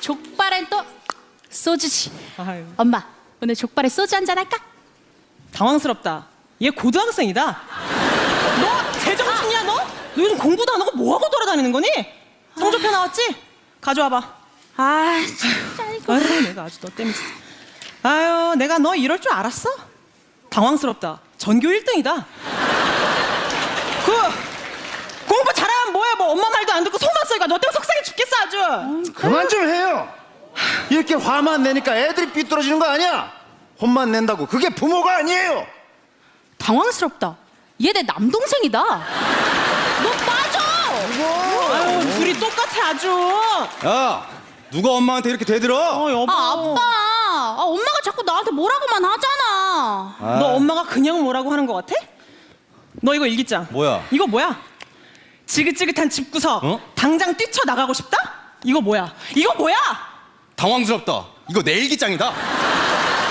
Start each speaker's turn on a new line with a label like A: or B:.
A: 족발엔 또 소주지.
B: 아유,
A: 엄마, 오늘 족발에 소주 한잔 할까?
B: 당황스럽다. 얘 고등학생이다. 너 제정신이야 너? 너 요즘 공부도 안 하고 뭐하고 돌아다니는 거니? 성적표 나왔지? 가져와봐.
A: 아, 진짜 이거.
B: 아유, 내가 아주 너 때문에 진짜. 아유, 내가 너 이럴 줄 알았어? 당황스럽다. 전교 1등이다. 공부 잘하면 뭐해? 뭐 엄마 말도 안 듣고 속만 쏘니까 너 때문에 속상해 죽겠어 아주.
C: 그만 좀 해요. 이렇게 화만 내니까 애들이 삐뚤어지는 거 아니야? 혼만 낸다고 그게 부모가 아니에요.
A: 당황스럽다. 얘 내 남동생이다. 너 빠져.
B: 아유, 둘이 똑같아 아주.
D: 야, 누가 엄마한테 이렇게 대들어?
B: 여보.
A: 아, 아빠. 아, 엄마가 자꾸 나한테 뭐라고만 하잖아.
B: 너 엄마가 그냥 뭐라고 하는 거 같아? 너 이거 일기장.
D: 뭐야?
B: 이거 뭐야? 지긋지긋한 집구석.
D: 어?
B: 당장 뛰쳐나가고 싶다? 이거 뭐야? 이거 뭐야?
D: 당황스럽다. 이거 내 일기장이다.